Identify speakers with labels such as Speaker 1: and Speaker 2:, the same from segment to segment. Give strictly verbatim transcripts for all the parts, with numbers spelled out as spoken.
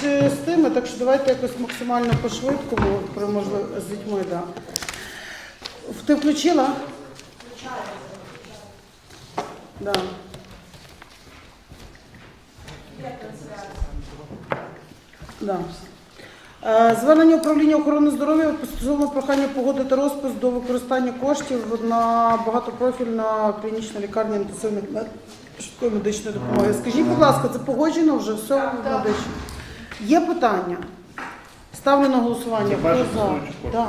Speaker 1: з тими, так що давайте якось максимально по-швидкому, при можливо, з дітьми, да. Ти включила? Да. Да. Е, Звернення управління охорони здоров'я стосовно прохання погодити розпис до використання коштів на багатопрофільну клінічну лікарню інтенсивних мед- швидкої медичної допомоги. Скажіть, будь ласка, це погоджено вже все медично? Є питання? Ставлю на голосування. Хто за? Да.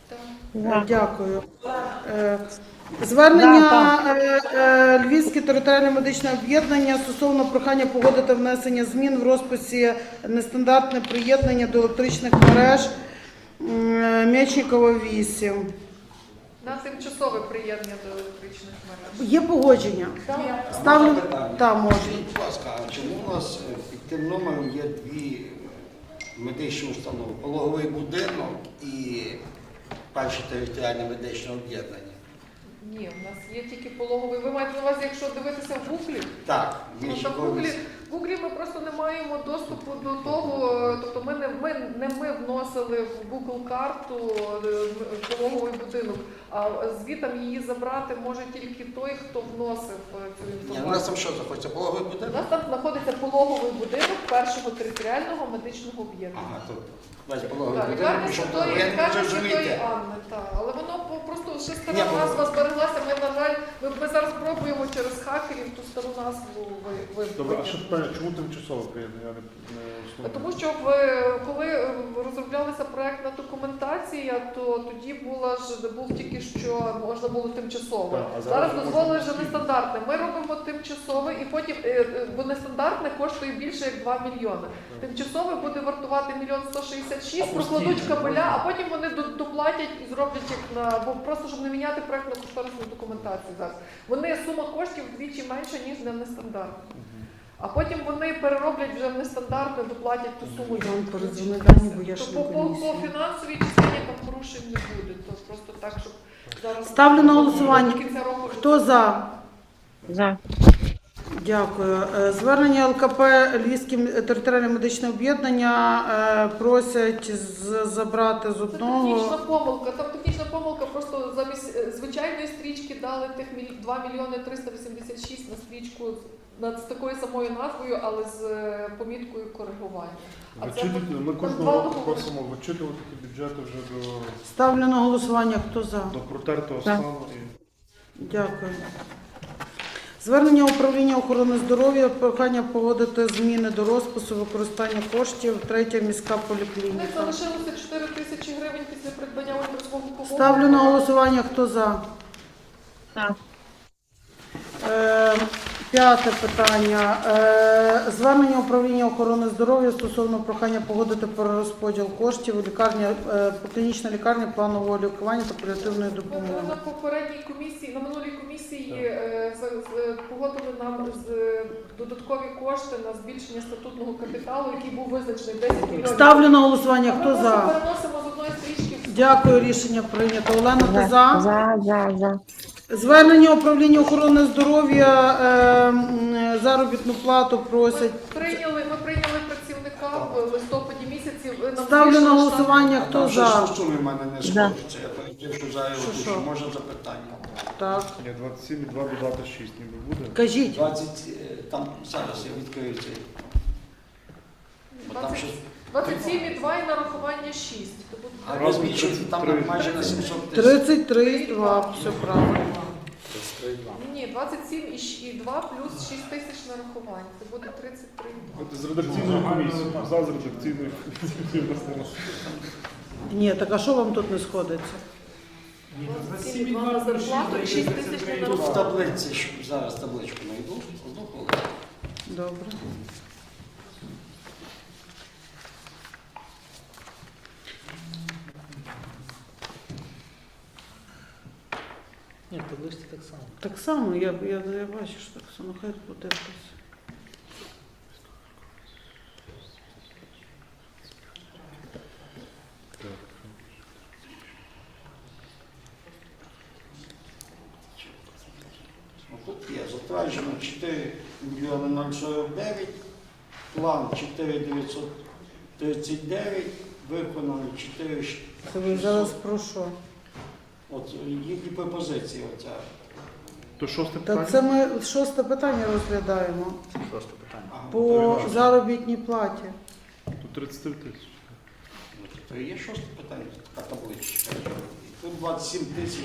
Speaker 1: Е, Дякую. Е, Звернення е, е, Львівське територіальне медичне об'єднання стосовно прохання погодити внесення змін в розписі нестандартне приєднання до електричних мереж м, Мечникова вісім.
Speaker 2: На тимчасове приєднання до електричних мереж.
Speaker 1: Є погодження? Ставлю. Так, можна.
Speaker 3: Скажіть, будь ласка, а чому у нас під тим номером є дві медичні установи? Пологовий будинок і перше територіальне медичне об'єднання?
Speaker 2: Ні, у нас є тільки пологовий. Ви маєте на увазі, якщо дивитися в гуглі?
Speaker 3: Так,
Speaker 2: Ну, та в гуглі, в гуглі ми просто не маємо доступу до того, тобто ми не ми, не ми вносили в Google карту е, пологовий будинок, а звітом її забрати може тільки той, хто вносив е, цю
Speaker 3: Ні, у нас
Speaker 2: інформацію.
Speaker 3: там що знаходиться? Пологовий
Speaker 2: У
Speaker 3: будинок?
Speaker 2: нас там знаходиться пологовий будинок першого територіального медичного об'єднання.
Speaker 3: Ага, тут весь пологовий
Speaker 2: Так,
Speaker 3: будинок.
Speaker 2: лікарня
Speaker 3: причому
Speaker 2: Святої,
Speaker 3: я не
Speaker 2: лікарня
Speaker 3: можу
Speaker 2: Святої
Speaker 3: зрозуміти.
Speaker 2: Анни, так. Але воно по- просто ще
Speaker 3: Ні,
Speaker 2: стара
Speaker 3: бо-
Speaker 2: назва збереглася. Ми, на жаль, ми, ми зараз пробуємо через хакерів ту стару назву ви- ви-
Speaker 4: Добре, а
Speaker 2: витягнути.
Speaker 4: що питання, чому тимчасово приєднання? Я не, не основне.
Speaker 2: Тому що в, коли е, розроблялася проектна документація, то тоді була ж був тільки що можна було тимчасово.
Speaker 4: Так, а зараз
Speaker 2: Зараз
Speaker 4: вже
Speaker 2: дозволили
Speaker 4: можна
Speaker 2: вже нестандартне. Ми робимо тимчасове і потім, е, е, бо нестандартне коштує більше як два мільйони. Тимчасове буде вартувати мільйон сто шістдесят шість, прокладуть кабеля, а потім вони до- доплатять і зроблять як на бо просто щоб не міняти проектну кошторисну документацію зараз. Вони сума коштів вдвічі менша ніж для нестандартне. А потім вони перероблять вже в нестандартне, доплатять ту суму.
Speaker 1: Я вам передзвоню дані, бо я
Speaker 2: То
Speaker 1: ж
Speaker 2: по,
Speaker 1: не
Speaker 2: по, по
Speaker 1: комісія.
Speaker 2: фінансовій частині там порушень не буде. То просто так, щоб зараз
Speaker 1: Ставлю на голосування.
Speaker 2: до кінця року.
Speaker 1: Хто за?
Speaker 5: За.
Speaker 1: Дякую. Е, Звернення ел ка пе Львівське територіальне медичне об'єднання е, просять з- забрати з
Speaker 2: Це
Speaker 1: одного.
Speaker 2: технічна помилка. Там технічна помилка, просто замість е, звичайної стрічки дали тих міль- два мільйони триста вісімдесят шість на стрічку з- з такою самою назвою, але з е, поміткою коригування. А це
Speaker 4: Вичитувати- ми
Speaker 2: там
Speaker 4: кожного
Speaker 2: два
Speaker 4: року
Speaker 2: договори.
Speaker 4: просимо вичитувати ті бюджети вже до,
Speaker 1: Ставлю на голосування. Хто за?
Speaker 4: до протертого
Speaker 5: Так.
Speaker 4: стану. І...
Speaker 1: Дякую. Звернення управління охорони здоров'я, прохання погодити зміни до розпису використання коштів. Третя міська
Speaker 2: У них
Speaker 1: поліклініка.
Speaker 2: залишилося чотири тисячі гривень після придбання ультрасвого погоду.
Speaker 1: Ставлю на голосування. Хто за?
Speaker 5: За.
Speaker 1: Е, П'яте питання. Е, Звернення управління охорони здоров'я стосовно прохання погодити перерозподіл коштів у лікарні, е, клінічна лікарня планового лікування та паліативної
Speaker 2: Ми
Speaker 1: допомоги.
Speaker 2: на попередній комісії, на минулій комісії е, з- з- погодили нам з е, додаткові кошти на збільшення статутного капіталу, який був визначений десять мільйонів.
Speaker 1: Ставлю на голосування.
Speaker 2: А ми
Speaker 1: Хто
Speaker 2: просто
Speaker 1: за?
Speaker 2: переносимо з одної стрічки в
Speaker 1: Дякую, рішення прийнято. Олена, ти
Speaker 5: За.
Speaker 1: за?
Speaker 5: За. За. За.
Speaker 1: Звернення управління охорони здоров'я, е, м, заробітну плату
Speaker 2: Ми
Speaker 1: просять.
Speaker 2: прийняли, ми прийняли працівника в листопаді місяці. Ви нам
Speaker 1: Ставлю на
Speaker 2: збільшили
Speaker 1: голосування.
Speaker 3: А
Speaker 1: Хто
Speaker 3: там
Speaker 1: за?
Speaker 3: щось суми в мене не
Speaker 5: За.
Speaker 3: сходяться. Я перед що зараз
Speaker 1: Що, що?
Speaker 3: що може запитання.
Speaker 1: Так.
Speaker 4: Ні, двадцять сім і два додати шість ніби буде.
Speaker 1: Кажіть.
Speaker 3: двадцять, е, там зараз я відкрию цей. Бо там
Speaker 2: двадцять
Speaker 3: щось.
Speaker 2: двадцять сім і два і нарахування шість. То буде
Speaker 3: А
Speaker 4: Разом
Speaker 3: розбільшується там
Speaker 4: тридцять три.
Speaker 3: майже на сімсот тисяч.
Speaker 1: тридцять три і два. Все правильно.
Speaker 2: Ні, двадцять сім і щ- і два плюс шість тисяч нарахувань. Це буде тридцять три.
Speaker 4: От з редакційною комісією. За з редакційною комісією.
Speaker 1: Ні, так а що вам тут не сходиться?
Speaker 2: двадцять сім і два на зарплату і шість тисяч на
Speaker 3: Тут в
Speaker 2: нарахування.
Speaker 3: таблиці, що зараз табличку знайду, одну хвилину.
Speaker 1: Добре.
Speaker 6: Ні, в табличці так само.
Speaker 1: Так само, я, я, я бачу, що так само, хай буде якось.
Speaker 3: Ну, тут є затверджено чотири мільйони сорок дев'ять, план чотири дев'ятсот тридцять дев'ять, виконано чотири.
Speaker 1: Це ви зараз про що?
Speaker 3: От їхні пропозиції оця.
Speaker 4: То шосте
Speaker 1: Та
Speaker 4: питання?
Speaker 1: це ми шосте питання розглядаємо
Speaker 6: Шосте питання.
Speaker 3: Ага,
Speaker 1: по заробітній платі.
Speaker 4: Тут тридцять три тисячі.
Speaker 3: ну, то є шосте питання, така табличка. Тут двадцять сім тисяч,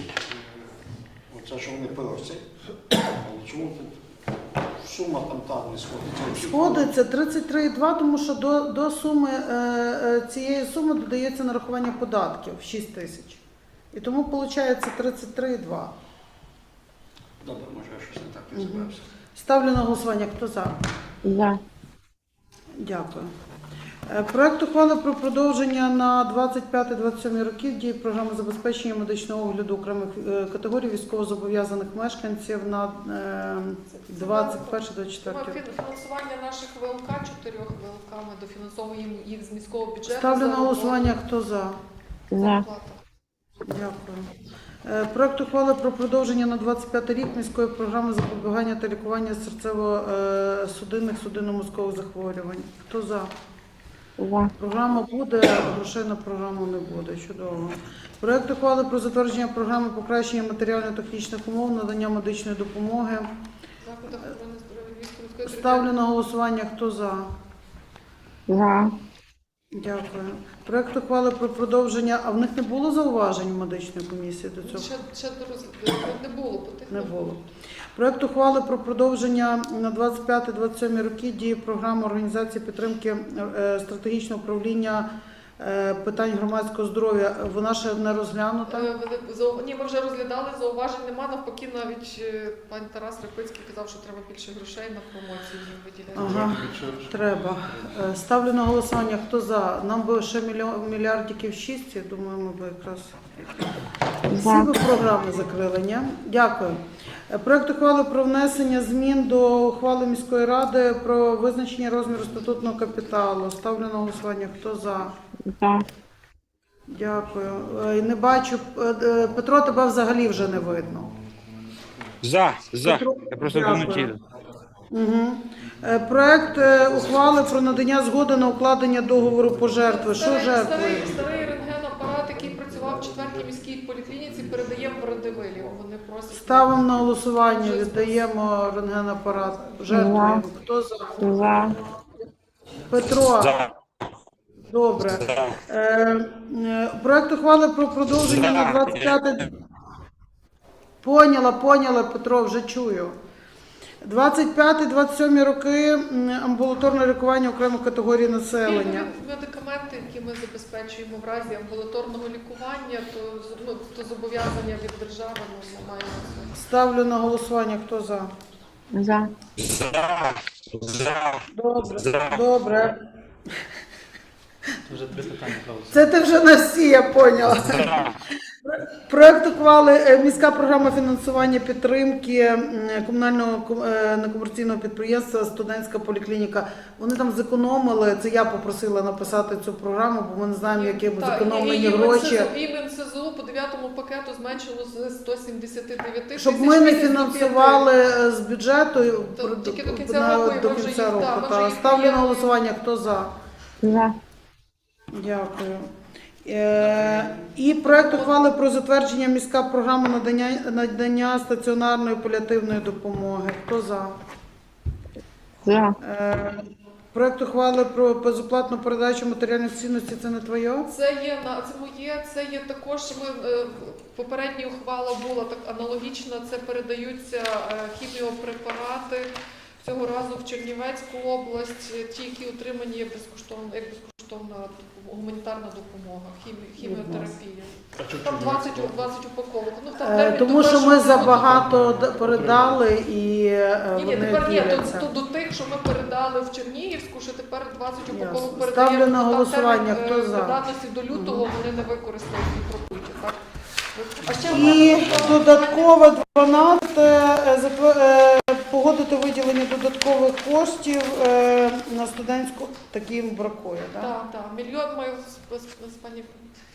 Speaker 3: оце що вони просять. Але чому тут сума там та не сходиться?
Speaker 1: Сходиться тридцять три цілих два, тому що до, до суми е, е, цієї суми додається нарахування податків шість тисяч. І тому виходить тридцять три цілих два.
Speaker 3: Добре, може я щось не так розбирався.
Speaker 1: Ставлю на голосування. Хто за?
Speaker 5: За.
Speaker 1: Дякую. Е, Проект ухвали про продовження на двадцять п'ятий - двадцять сьомий років дії програми забезпечення медичного огляду окремих е, категорій військовозобов'язаних мешканців на е, двадцять перший - двадцять четвертий рік.
Speaker 2: Фінансування наших ВЛК, чотирьох ВЛК, ми дофінансовуємо їх з міського бюджету.
Speaker 1: Ставлю
Speaker 2: за
Speaker 1: на голосування. Хто за?
Speaker 5: За.
Speaker 2: зарплату.
Speaker 1: Дякую. Е, Проект ухвали про продовження на двадцять п'ятий рік міської програми запобігання та лікування серцево-судинних судинно-мозкових захворювань. Хто за?
Speaker 5: За.
Speaker 1: Програма буде, грошей на програму не буде. Чудово. Проект ухвали про затвердження програми покращення матеріально-технічних умов надання медичної допомоги.
Speaker 2: Заходи охорони здоров'я Львівської міської
Speaker 1: Ставлю на голосування. Хто за?
Speaker 5: За.
Speaker 1: Дякую. Проект ухвали про продовження. А в них не було зауважень в медичної комісії до цього?
Speaker 2: Ще, ще до роз- не було по тих
Speaker 1: Не було. Проект ухвали про продовження на двадцять п'ятий - двадцять сьомий роки дії програми організації підтримки е, стратегічного управління е, питань громадського здоров'я. Вона ще не розглянута.
Speaker 2: Е, вони- зау- Ні, ми вже розглядали, зауважень нема. Навпаки, навіть е, пан Тарас Репицький казав, що треба більше грошей на промоцію їм виділяти.
Speaker 1: Ага, треба. Е, Ставлю на голосування. Хто за? Нам би ще мільйон- мільярдиків шість, я думаю, ми би якраз всі
Speaker 5: За.
Speaker 1: би програми закрили, ні? Дякую. Е, Проект ухвали про внесення змін до ухвали міської ради про визначення розміру статутного капіталу. Ставлю на голосування. Хто за?
Speaker 5: За.
Speaker 1: Дякую. Е, Не бачу. Е, е, Петро, тебе взагалі вже не видно.
Speaker 7: За, за.
Speaker 1: Петро,
Speaker 7: Я просто
Speaker 1: дякую.
Speaker 7: вночі.
Speaker 1: Угу. Проект е, ухвали про надання згоди на укладення договору пожертви. Що
Speaker 2: Старий,
Speaker 1: жертвує?
Speaker 2: старий, старий рентген-апарат, який працював в четвертій міській поліклініці, передаємо в Радивилів. Вони просять.
Speaker 1: Ставимо на голосування, віддаємо рентгенапарат. Жертвуємо. Хто за?
Speaker 5: За.
Speaker 1: Петро.
Speaker 7: За.
Speaker 1: Добре. Е, е, Проект ухвали про продовження на двадцять п'ятий. Поняла, поняла, Петро, вже чую. двадцять п'ятий - двадцять сьомий роки м, амбулаторне лікування окремих категорій населення.
Speaker 2: Пільгові медикаменти, які ми забезпечуємо в разі амбулаторного лікування, то, з- ну, то зобов'язання від держави ну, ми маємо це.
Speaker 1: Ставлю на голосування. Хто за?
Speaker 5: За.
Speaker 7: За. За.
Speaker 1: Добре.
Speaker 7: За.
Speaker 1: Добре.
Speaker 6: Це вже три питання правда.
Speaker 1: Це ти вже на всі, я поняла. Проект ухвали е, міська програма фінансування підтримки м, комунального ком- е, некомерційного підприємства «Студентська поліклініка». Вони там зекономили, це я попросила написати цю програму, бо ми не знаємо, які
Speaker 2: Так,
Speaker 1: зекономлені
Speaker 2: і- і
Speaker 1: гроші.
Speaker 2: МНСЗУ І МНСЗУ по дев'ятому пакету зменшило з сто сімдесят дев'ять тисяч.
Speaker 1: Щоб ми не
Speaker 2: вісімдесят п'ять.
Speaker 1: фінансували е, з бюджету
Speaker 2: То
Speaker 1: про-
Speaker 2: тільки до кінця
Speaker 1: на-
Speaker 2: року, і
Speaker 1: до
Speaker 2: ми вже
Speaker 1: кінця
Speaker 2: їх-
Speaker 1: року.
Speaker 2: так, ми
Speaker 1: Та.
Speaker 2: вже їх
Speaker 1: Ставлю на
Speaker 2: прийняли.
Speaker 1: голосування. Хто за?
Speaker 5: За.
Speaker 1: Дякую. Е, І проект ухвали про затвердження міська програма надання, надання стаціонарної паліативної допомоги. Хто за?
Speaker 5: За.
Speaker 1: Е, Проект ухвали про безоплатну передачу матеріальних цінностей. Це не твоє?
Speaker 2: Це є на це моє, це є також. Ми е, попередня ухвала була так аналогічна. Це передаються е, хіміопрепарати цього разу в Чернівецьку область, е, ті, які отримані як безкоштовна, як безкоштовна гуманітарна допомога, хімі, хіміотерапія.
Speaker 4: А чого
Speaker 2: Там
Speaker 4: чого?
Speaker 2: двадцять, двадцять упаковок. Ну там
Speaker 1: Е,
Speaker 2: термін
Speaker 1: Тому
Speaker 2: до
Speaker 1: що ми
Speaker 2: першого
Speaker 1: забагато д- передали і е,
Speaker 2: Ні, ні,
Speaker 1: вони
Speaker 2: тепер ні,
Speaker 1: діляться.
Speaker 2: то, то до тих, що ми передали в Чернігівську, що тепер двадцять
Speaker 1: Ясно.
Speaker 2: упаковок
Speaker 1: Ставлю
Speaker 2: передаємо.
Speaker 1: на
Speaker 2: Там
Speaker 1: голосування.
Speaker 2: термін,
Speaker 1: Хто
Speaker 2: е,
Speaker 1: за?
Speaker 2: придатності до лютого вони не використають і пропустять, так? А ще
Speaker 1: І
Speaker 2: одне
Speaker 1: додаткове дванадцяте е, затвер- е, погодити виділення додаткових коштів е, на студентську, таким бракує, так?
Speaker 2: Так, так. Мільйон ми з, з, з пані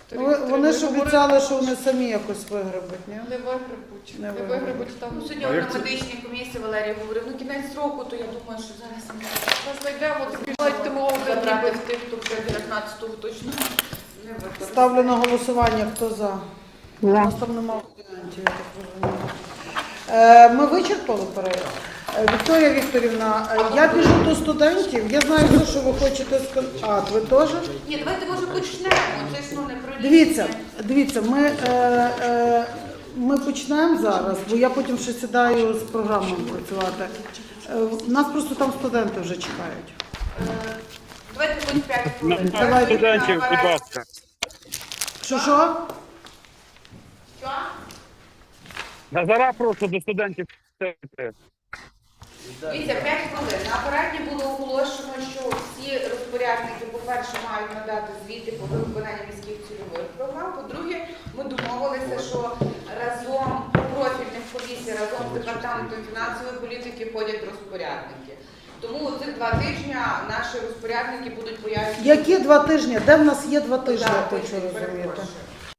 Speaker 2: вікторів.
Speaker 1: Ну, Вони ж
Speaker 2: Говорили,
Speaker 1: обіцяли, що вони самі якось вигребуть, ні?
Speaker 2: не вигребуть.
Speaker 1: Не
Speaker 2: Не
Speaker 1: вигребуть.
Speaker 2: вигребуть там.
Speaker 8: Ну, сьогодні
Speaker 4: А як
Speaker 8: на
Speaker 4: це?
Speaker 8: медичній комісії Валерій говорив, ну кінець року, то я думаю, що зараз ми
Speaker 2: Ми знайдемо, збіжать тимову
Speaker 8: забрати в тих, хто вже дев'ятнадцятого точно не використає.
Speaker 1: Ставлю на голосування, хто за. У
Speaker 5: За.
Speaker 1: нас там немає варіантів, я так розумію. Е, Ми вичерпали перегляд. Е, Вікторія Вікторівна, е, я біжу до студентів. Я знаю, все, що ви хочете сказати. А, ви теж?
Speaker 8: Ні, давайте може почнемо. Це ж ну не про
Speaker 1: Дивіться,
Speaker 8: рішення.
Speaker 1: дивіться, ми, е, е, ми почнемо зараз, бо я потім ще сідаю з програмою працювати. Е, нас просто там студенти вже чекають.
Speaker 8: Е, Давайте хоч п'ять
Speaker 7: На
Speaker 8: хвилин.
Speaker 1: Давайте.
Speaker 7: студентів, будь ласка.
Speaker 1: Що що?
Speaker 8: Що?
Speaker 7: Назара прошу до студентів.
Speaker 8: Дивіться, п'ять хвилин. На апараті було оголошено, що всі розпорядники, по-перше, мають надати звіти по виконанню міських цільових програм. По-друге, ми домовилися, що разом по профільних комісій, разом з департаментом фінансової політики ходять розпорядники. Тому цих два тижні наші розпорядники будуть пояснювати.
Speaker 1: Які два тижні? Де в нас є два тижні, я
Speaker 8: Так,
Speaker 1: хочу
Speaker 8: тиждень,
Speaker 1: розуміти.
Speaker 8: перепрошую.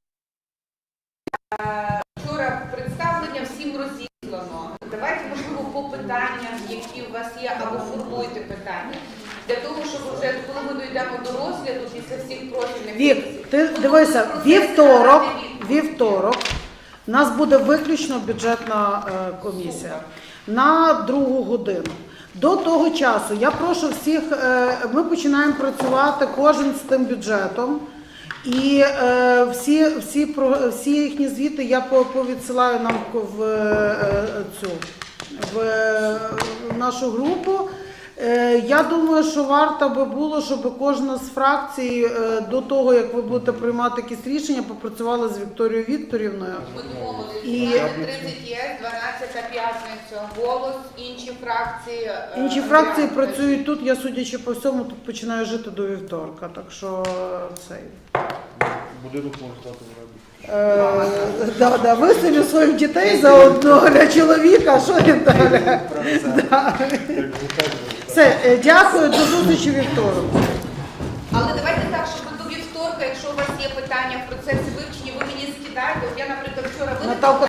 Speaker 8: Е, Вчора представлення всім розіслано. Давайте, можливо, по питаннях, які у вас є, або формуйте питання. Для того, щоб вже коли ми дійдемо до розгляду після всіх профільних
Speaker 1: Вік,
Speaker 8: комісій,
Speaker 1: ти
Speaker 8: ми
Speaker 1: дивися,
Speaker 8: могли процес
Speaker 1: вівторок,
Speaker 8: надати відповідь.
Speaker 1: вівторок, у нас буде виключно бюджетна е, комісія на другу годину. До того часу я прошу всіх, е, ми починаємо працювати кожен з тим бюджетом. І е, всі, всі, про- всі їхні звіти я по- повідсилаю нам в, е, цю, в е, нашу групу. Е, Я думаю, що варто би було, щоб кожна з фракцій е, до того, як ви будете приймати якісь рішення, попрацювала з Вікторією Вікторівною.
Speaker 8: Ми домовились,
Speaker 1: І-
Speaker 8: дванадцять тридцять є, дванадцята п'ятниця, голос, інші фракції. е,
Speaker 1: Інші фракції
Speaker 8: Андріан,
Speaker 1: працюють тут, я, судячи по всьому, тут починаю жити до вівторка. Так що цей.
Speaker 4: Будинок може стати в оренду.
Speaker 1: Е, да, да, виселю своїх дітей заодно для чоловіка, що він далі. Да. Все, е, дякую, до зустрічі вівторок.
Speaker 8: Але давайте так, щоб до вівторка, якщо у вас є питання в процесі вивчення, ви мені скидаєте. От я, наприклад, вчора виникла
Speaker 1: Наталка